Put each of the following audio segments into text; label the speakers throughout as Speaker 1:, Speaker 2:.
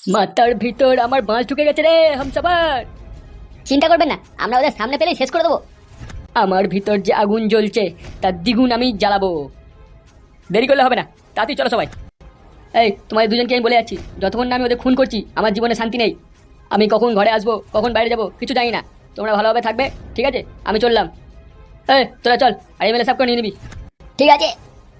Speaker 1: মাথার ভিতর আমার বাঁশ ঢুকে গেছে রে হামসাফার।
Speaker 2: চিন্তা করবেন না, আমরা ওদের সামনে পেলেই শেষ করে দেবো।
Speaker 1: আমার ভিতর যে আগুন জ্বলছে তার দ্বিগুণ আমি জ্বালাবো। দেরি করলে হবে না, তাড়াতাড়ি চলো সবাই। এই তোমাদের দুজনকে আমি বলে যাচ্ছি, যতক্ষণ না আমি ওদের খুন করছি আমার জীবনে শান্তি নেই। আমি কখন ঘরে আসবো কখন বাইরে যাবো কিছু জানি না। তোমরা ভালোভাবে থাকবে, ঠিক আছে? আমি চললাম। এই তোরা চল, আর এমএলএ সাহেবকে নিয়ে নিবি।
Speaker 2: ঠিক আছে।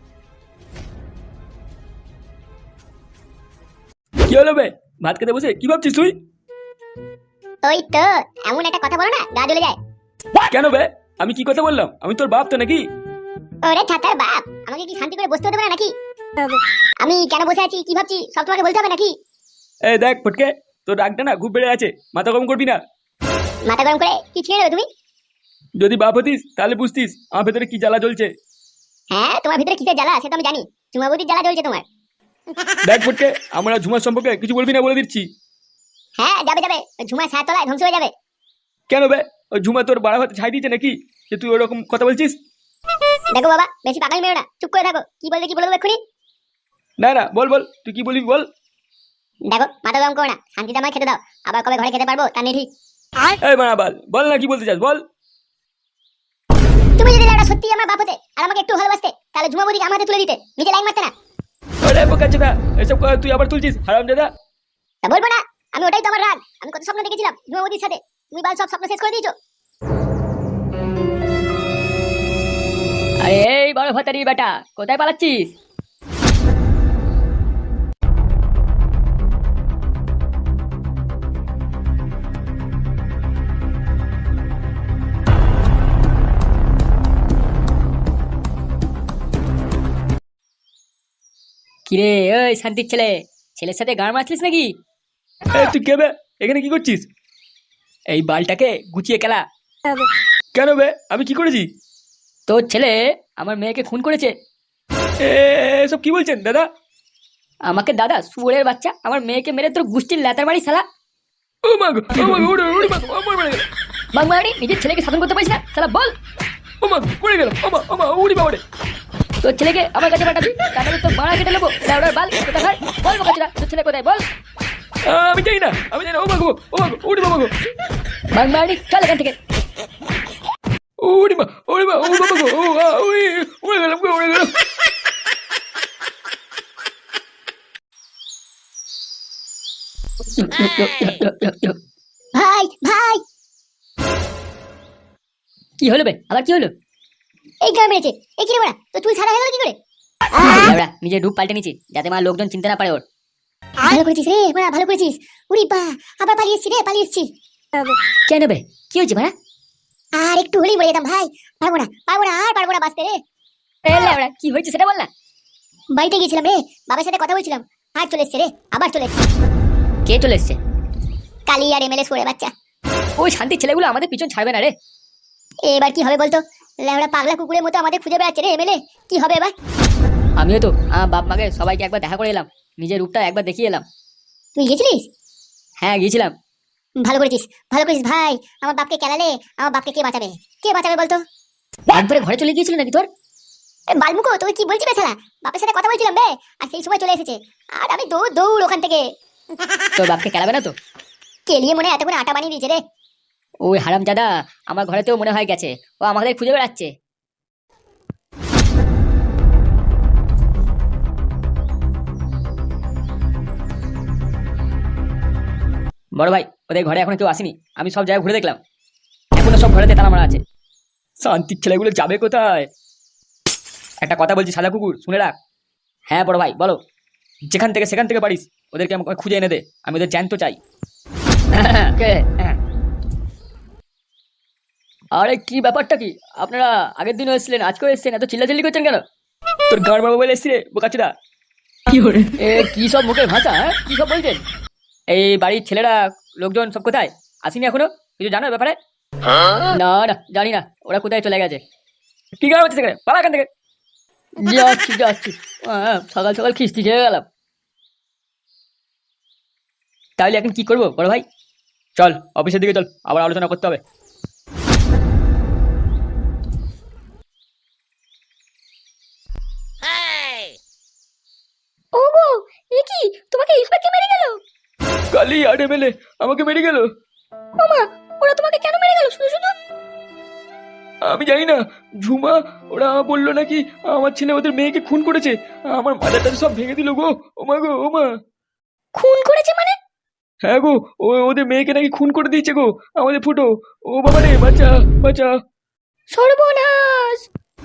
Speaker 3: কি হলো বে? ভাত খেতে বসে কি ভাবছিস তুই?
Speaker 2: ওই তো এমন একটা কথা বলো না, গা জ্বলে যায়।
Speaker 3: কেন বে? আমি কি কথা বললাম? আমি তোর বাপ তো নাকি?
Speaker 2: ওরে ছাতার বাপ, আমাকে কি শান্তি করে বসতে হতে পারে নাকি? আমি কেন বসে আছি, কি ভাবছি, সব তোমাকে বলতে হবে নাকি?
Speaker 3: এই দেখ ফটকে, তোর রাগটা না খুব বেড়ে আছে, মাথা গরম করবি না।
Speaker 2: মাথা গরম করে কি ছিঁড়ে নেবে তুমি?
Speaker 3: যদি বাপ হতিস তাহলে বুঝতিস আমার ভেতরে কি জ্বালা জ্বলছে।
Speaker 2: হ্যাঁ, তোমার ভিতরে কিসের জ্বালা সেটা আমি জানি। চুমাবতির জ্বালা জ্বলছে তোমার।
Speaker 3: দেখ ফটকে, আমরা ঝুমার সম্পর্কে কিছু বলবি না বলে দিচ্ছি।
Speaker 2: হ্যাঁ যাবে যাবে, ঝুমা ছায়া তলায় ধ্বংস হয়ে যাবে।
Speaker 3: কেন বে? ওই ঝুমা তোর বাড়া ভাতে ছাই দিয়েছে নাকি যে তুই ওরকম কথা বলছিস?
Speaker 2: দেখো বাবা, বেশি পাগল মেরো না, চুপ করে থাকো। কি বলবে দেবো এক্ষুনি।
Speaker 3: না না, বল বল, তুই কি বলবি বল।
Speaker 2: দেখো মাথা গরম করো না, শান্তিতে আমায় খেতে দাও। আবার কবে ঘরে খেতে পারবো তা নেই ঠিক।
Speaker 3: এই বাড়া বল, বল না কি বলতে চাস বল।
Speaker 2: তুমি যদি লেওড়া সত্যি আমার বাপ হতে আর আমাকে একটু ভালোবাসতে, তাহলে ঝুমাবতিকে আমার হাতে তুলে দিতে, নিজে লাইন মারতে না।
Speaker 3: আরে বোকাচোদা, এসব কথা তুই আবার তুলছিস হারামজাদা।
Speaker 2: তা বলবো না? আমি ওটাই তো আমার রাগ। আমি কত স্বপ্ন দেখেছিলাম ঝুমাবতির সাথে, তুমি বাল সব স্বপ্ন শেষ করে দিয়েছো।
Speaker 1: আরে এই বড় ভাতারি বেটা, কোথায় পালাচ্ছিস? কিরে ওই শান্তির ছেলে, ছেলের সাথে গান মারছিস নাকি?
Speaker 3: এই তুই কে বে? এখানে কি করছিস?
Speaker 1: এই বালটাকে গুছিয়ে খেলা।
Speaker 3: কেন বে? আমি কি করেছি?
Speaker 1: তোর ছেলে আমার মেয়েকে খুন করেছে।
Speaker 3: এসব কি বলছেন দাদা?
Speaker 1: আমাকে দাদা শুয়োরের বাচ্চা, আমার মেয়েকে মেরে তোর গুষ্টির ল্যাতার বাড়ি শালা।
Speaker 3: ও মা গো, ও মা গো, ওরে মা গো, আমার মরে গেল।
Speaker 1: বাংলাড়ি নিজের ছেলেকে শাসন করতে পারিস না শালা, বল।
Speaker 3: ও মা গো, মরে গেল। ও মা, উড়ি বাবা রে।
Speaker 1: তোর ছেলেকে আমার কাছে পাঠাবি, তাহলে তোর মারা কেটে নেবো। লেওড়ার বাল কোথা খায় বল, বাচ্চারা তোর ছেলে কোথায় বল।
Speaker 3: আমি জানি না, আমি জানি না। ও মা গো, ও মা গো, উড়ি বাবা গো।
Speaker 1: বাংলাড়ি চল এখান থেকে।
Speaker 3: উড়ি মা, উড়ি মা, ও বাবা গো, উড়ি, উড়ে গেলাম গো, উড়ে গেলাম।
Speaker 2: ভাই ভাই,
Speaker 1: কি হলো বে, আবার কি হলো?
Speaker 2: এই গান মেরেছে। এই কি রে বড়া, তো চুল সাদা হয়ে গেল কি করে?
Speaker 1: লেওড়া নিজের রূপ পাল্টে নিচ্ছি যাতে মা লোকজন চিনতে না পারে ওর।
Speaker 2: ভালো করেছিস রে বড়া, ভালো করেছিস। উরি বা, আবার পালিয়ে এসছি রে, পালিয়ে এসছি।
Speaker 1: কেন বে, কি হয়েছে ভাড়া?
Speaker 2: আর একটু হলেই মরে যেতাম ভাই। পারবো না, আর পারবো না বাঁচতে রে।
Speaker 1: লেওড়া কি হয়েছে সেটা বল না।
Speaker 2: বাড়িতে গেছিলাম রে, বাবার সাথে কথা বলছিলাম, আর চলে এসছে রে, আবার চলে এসছে।
Speaker 1: কে চলে এসছে?
Speaker 2: কালি আর এমএলএ সরে বাচ্চা।
Speaker 1: ওই শান্তির ছেলেগুলো আমাদের পিছন ছাড়বে না রে।
Speaker 2: এবার কি হবে বলতো? লেওড়া পাগলা কুকুরের মতো আমাদের খুঁজে বেড়াচ্ছে রে এমএলএ। কি হবে এবার?
Speaker 1: আমিও তো আমার বাপ মাকে সবাইকে একবার দেখা করে এলাম, নিজের রূপটা একবার দেখিয়ে এলাম।
Speaker 2: তুই গেছিলিস?
Speaker 1: হ্যাঁ গিয়েছিলাম।
Speaker 2: ভালো করেছিস, ভালো করেছিস ভাই। আমার বাপকে কেলালে আমার বাপকে কে বাঁচাবে? কে বাঁচাবে বলতো?
Speaker 1: একবারে ঘরে চলে গিয়েছিল নাকি তোর?
Speaker 2: বালমুকো তুই কি বলছিস বেচারা? বাপের সাথে কথা বলছিলাম বে, আর সেই সময় চলে এসেছে। আর আমি দৌড় দৌড় ওখান থেকে।
Speaker 1: তোর বাপকে খেলাবে না তো?
Speaker 2: কেলিয়ে মনে হয় এতক্ষণ আটা বানিয়ে দিয়েছে রে।
Speaker 1: ওই হারামজাদা আমার ঘরেতেও মনে হয় গেছে, ও আমাদের খুঁজে বেড়াচ্ছে। বড় ভাই, ওদের ঘরে এখনো কেউ আসেনি, আমি সব জায়গায় ঘুরে দেখলাম, এখনো সব ঘরেতে তালা মারা আছে।
Speaker 3: শান্তির ছেলেগুলো যাবে কোথায়?
Speaker 1: একটা কথা বলছি সাদা কুকুর, শুনে রাখ। হ্যাঁ বড় ভাই বলো।
Speaker 3: যেখান থেকে সেখান থেকে পারিস ওদেরকে আমাকে খুঁজে এনে দে, আমি ওদের জ্যান্ত চাই।
Speaker 1: আরে কি ব্যাপারটা কি, আপনারা আগের দিনও এসেছিলেন আজকেও এসেছেন, এত চিল্লাচিল্লি করছেন কেন?
Speaker 3: তোর গাঁড় বাবা বলে এসছি রে বোকাচোদা।
Speaker 1: কি সব মুখের ভাষা, হ্যাঁ কি সব বলছেন? এই বাড়ির ছেলেরা লোকজন সব কোথায়? আসেনি এখনো? কিছু জানো ব্যাপারে? না না জানি না, ওরা কোথায় চলে গেছে।
Speaker 3: কি গাঁড় হচ্ছে সেখানে, পালা এখান থেকে।
Speaker 1: যাচ্ছি যাচ্ছি, সকাল সকাল খিস্তি খেয়ে গেলাম। তাহলে এখন কি করবো বড় ভাই?
Speaker 3: চল অফিসের দিকে চল, আবার আলোচনা করতে হবে।
Speaker 2: ওগো, এ কি, তোমাকে এইভাবে কে মেরে গেল?
Speaker 3: কালি আর এমএলএ আমাকে মেরে গেল।
Speaker 1: ওমা, ওরা তোমাকে কেন মেরে গেল শুধু শুধু?
Speaker 3: আমি জানি না, ঝুমা ওরা বললো নাকি আমার ছেলে ওদের মেয়েকে খুন করেছে। আমার মাথাটা সব ভেঙে দিল গো। ওমা গো ওমা।
Speaker 1: খুন করেছে মানে?
Speaker 3: হ্যাঁ গো, ওদের মেয়েকে নাকি খুন করে দিয়েছে গো আমাদের ফুটো। ও বাবা রে, বাঁচা বাঁচা।
Speaker 1: সর্বনাশ!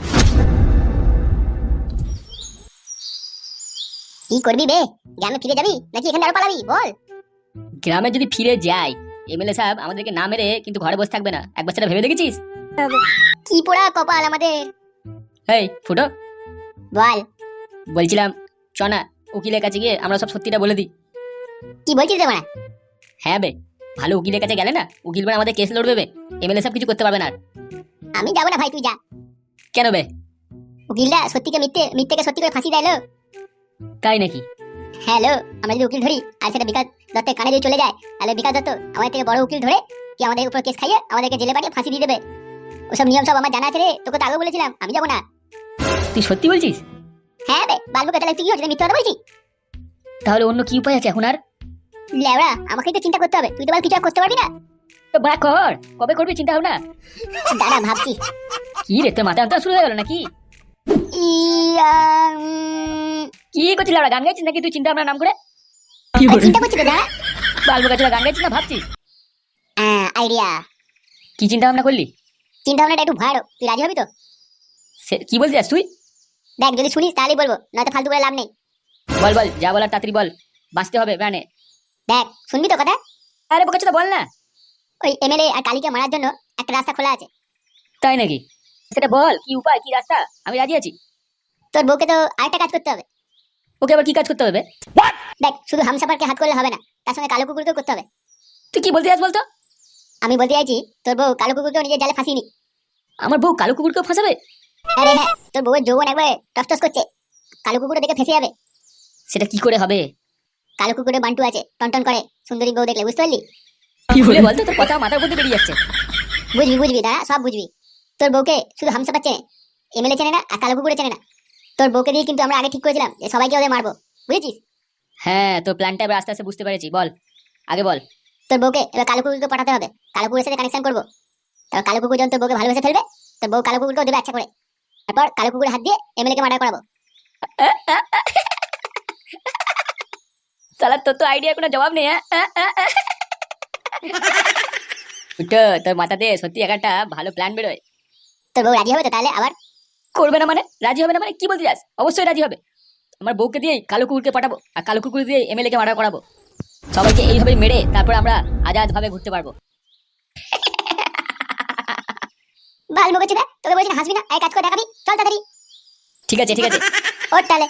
Speaker 2: কি করবি বে? গ্রামে ফিরে যাবি নাকি এখানে আরো পালাবি বল?
Speaker 1: গ্রামে যদি ফিরে যাই, এমএলএ সাহেব আমাদেরকে না মেরে কিন্তু ঘরে বসে থাকবে না। একবার সেটা ভেবে দেখেছিস?
Speaker 2: কি পোড়া কপাল আমাদের।
Speaker 1: এই ফুটো,
Speaker 2: বল,
Speaker 1: বলছিলাম চ না উকিলের কাছে গিয়ে আমরা সব সত্যিটা বলে দিই।
Speaker 2: কি বলছিস রে মারা?
Speaker 1: হ্যাঁ বে, ভালো উকিলের কাছে গেলে না উকিল মানে আমাদের কেস লড়বে বে। এমএলএ সাহেব কিছু করতে পারবে না আর।
Speaker 2: আমি যাবো না ভাই, তুই যা।
Speaker 1: কেন বে?
Speaker 2: উকিলরা সত্যিকে মিথ্যে, মিথ্যেকে সত্যি করে ফাঁসি দেয় লো।
Speaker 1: তাই নাকি?
Speaker 2: হ্যাঁ লো, আমরা যদি উকিল ধরি আর সেটা বিকাশ দত্তের কানে যদি চলে যায়, তাহলে বিকাশ দত্ত আমাদের থেকে বড় উকিল ধরে কি আমাদের উপর কেস খাইয়ে আমাদেরকে জেলে পাঠিয়ে ফাঁসি দিয়ে দেবে। ওসব নিয়ম সব আমার জানা আছে রে, তোকে তো আগেও বলেছিলাম, আমি যাবো না।
Speaker 1: তুই সত্যি বলছিস?
Speaker 2: হ্যাঁ বে, বালবুকে তাহলে তুই কি হচ্ছে, মিথ্যে কথা বলছিস?
Speaker 1: তাহলে অন্য কি উপায় আছে এখন আর?
Speaker 2: লেওড়া, আমাকেই তো চিন্তা করতে হবে, তুই তো বল কিছু আর করতে পারবি না।
Speaker 1: তো বাড়া কর, কবে করবি চিন্তা ভাবনা?
Speaker 2: দাঁড়া ভাবছি।
Speaker 1: কি রে, তোর মাথা অন্তর শুরু হয়ে গেল নাকি? কি করছিস ওরা? গান গাইছিস নাকি তুই চিন্তা ভাবনা নাম করে?
Speaker 2: চিন্তা করছি তো, দাঁড়া।
Speaker 1: বালবো গাছরা গান গাইছিস না ভাবছিস?
Speaker 2: আইডিয়া।
Speaker 1: কি চিন্তা ভাবনা করলি?
Speaker 2: চিন্তা ভাবনাটা একটু ভাড়ো, তুই রাজি হবি তো?
Speaker 1: কি বলতে যাস তুই?
Speaker 2: দেখ, যদি শুনিস তাহলেই বলবো, নয়তো ফালতু করে লাভ নেই।
Speaker 1: বল বল, যা বলার তাড়াতাড়ি বল, বাঁচতে হবে প্রাণে।
Speaker 2: দেখ, শুনবি তো কথা?
Speaker 1: আরে বোকাচোদা বল না।
Speaker 2: ওই এমএলএ আর কালীকে মারার জন্য একটা রাস্তা খোলা আছে।
Speaker 1: তাই নাকি? সেটা বল, কি উপায়, কি রাস্তা, আমি রাজি আছি।
Speaker 2: তোর বউকে তো আরেকটা কাজ করতে হবে।
Speaker 1: ওকে আবার কি কাজ করতে হবে?
Speaker 2: দেখ, শুধু হামসাফারকে হাত করলে হবে না, তার সঙ্গে কালো কুকুরকেও করতে হবে।
Speaker 1: তুই কি বলতে যাস বলতো?
Speaker 2: আমি বলতে চাইছি, তোর বউ কালো কুকুরকেও নিজের জালে ফাঁসিনি।
Speaker 1: আমার বউ কালো কুকুরকেও ফাঁসাবে?
Speaker 2: আরে হ্যাঁ, তোর বউয়ের যৌবন একবার টস করছে, কালো কুকুরও দেখে ফেসে যাবে।
Speaker 1: সেটা কি করে হবে?
Speaker 2: কালো কুকুরে বান্টু আছে, টনটন করে, সুন্দরী বউ দেখলে বুঝতে পারলি?
Speaker 1: কি বলে বলতো, তোর কথা মাথার মধ্যে বেরিয়ে যাচ্ছে।
Speaker 2: বুঝবি বুঝবি, দাঁড়া সব বুঝবি। তোর বউকে শুধু হামসাফার চেনে, এমএলএ চেনে না, আর কালো কুকুরে চেনে না। তোর বউকে দিয়ে কিন্তু আমরা আগে ঠিক করেছিলাম যে সবাইকে ওদের মারবো, বুঝেছিস?
Speaker 1: হ্যাঁ, তোর প্ল্যানটা এবার আস্তে আস্তে বুঝতে পেরেছি, বল আগে বল।
Speaker 2: তোর বউকে এবার কালো কুকুরকে পাঠাতে হবে, কালো কুকুরের সাথে কানেকশন করবো। তারপর কালো কুকুর যখন তোর বউকে ভালোবেসে ফেলবে, তোর বউ কালো কুকুরকেও দেবে আচ্ছা করে। তারপর কালো কুকুরের হাত দিয়ে এমএলএ কে মার্ডার করাবো।
Speaker 1: সালা, তোর তো আইডিয়া কোনো জবাব নেই। উঠো, তোর মাথাতে সত্যি একটা ভালো প্ল্যান বেরোয়।
Speaker 2: তোর বউ রাজি হবে তো তাহলে? আবার
Speaker 1: করবে না মানে? রাজি হবে না মানে কি বলতে যাস? অবশ্যই রাজি হবে। আমার বউকে দিয়েই কালো কুকুরকে পাঠাবো, আর কালো কুকুর দিয়ে এমএলএ কে মার্ডার করাবো। সবাইকে এইভাবে মেরে তারপর আমরা আজাদ ভাবে ঘুরতে পারবো।
Speaker 2: ভাল বকেছি না, তোকে বলছি না হাসবি না, এই কাজ করে দেখাবি, চল তাড়াতাড়ি।
Speaker 1: ঠিক আছে ঠিক আছে।
Speaker 2: ওর তাহলে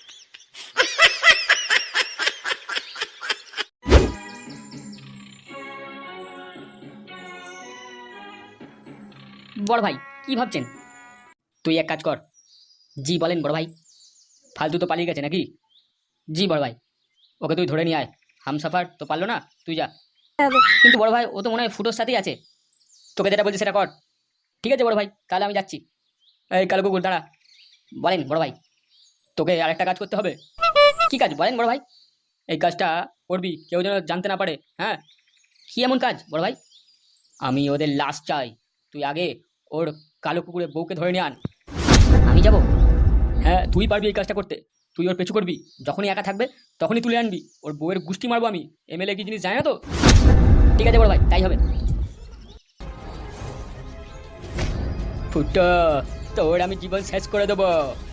Speaker 1: বড় ভাই কি ভাবছেন? তুই এক কাজ কর। জি বলেন বড় ভাই। ফালতু তো পালিয়ে গেছে নাকি? জি বড় ভাই, ওকে তুই ধরে নিয়ে আয়। হামসাফার তো পারলো না, তুই যা। কিন্তু বড় ভাই, ও তো মনে হয় ফুটোর সাথেই আছে। তোকে যেটা বলছি সেটা কর। ঠিক আছে বড় ভাই, তাহলে আমি যাচ্ছি। এই কালো কুকুর দাঁড়া। বলেন বড় ভাই। তোকে আরেকটা কাজ করতে হবে। কি কাজ বলেন বড় ভাই? এই কাজটা করবি, কেউ যেন জানতে না পারে। হ্যাঁ, কি এমন কাজ বড় ভাই? আমি ওদের লাশ চাই। তুই আগে ওর কালো কুকুরের বউকে ধরে নিয়ে আন। আমি যাব? হ্যাঁ, তুই পারবি এই কাজটা করতে। তুই ওর পেছু করবি, যখনই একা থাকবে তখনই তুলে আনবি। ওর বউয়ের গুষ্টি মারবো আমি। এমএলএ কি জিনিস জানে না তো? ঠিক আছে বড় ভাই, তাই হবে। ফুটো, তোর আমি জীবন শেষ করে দেবো।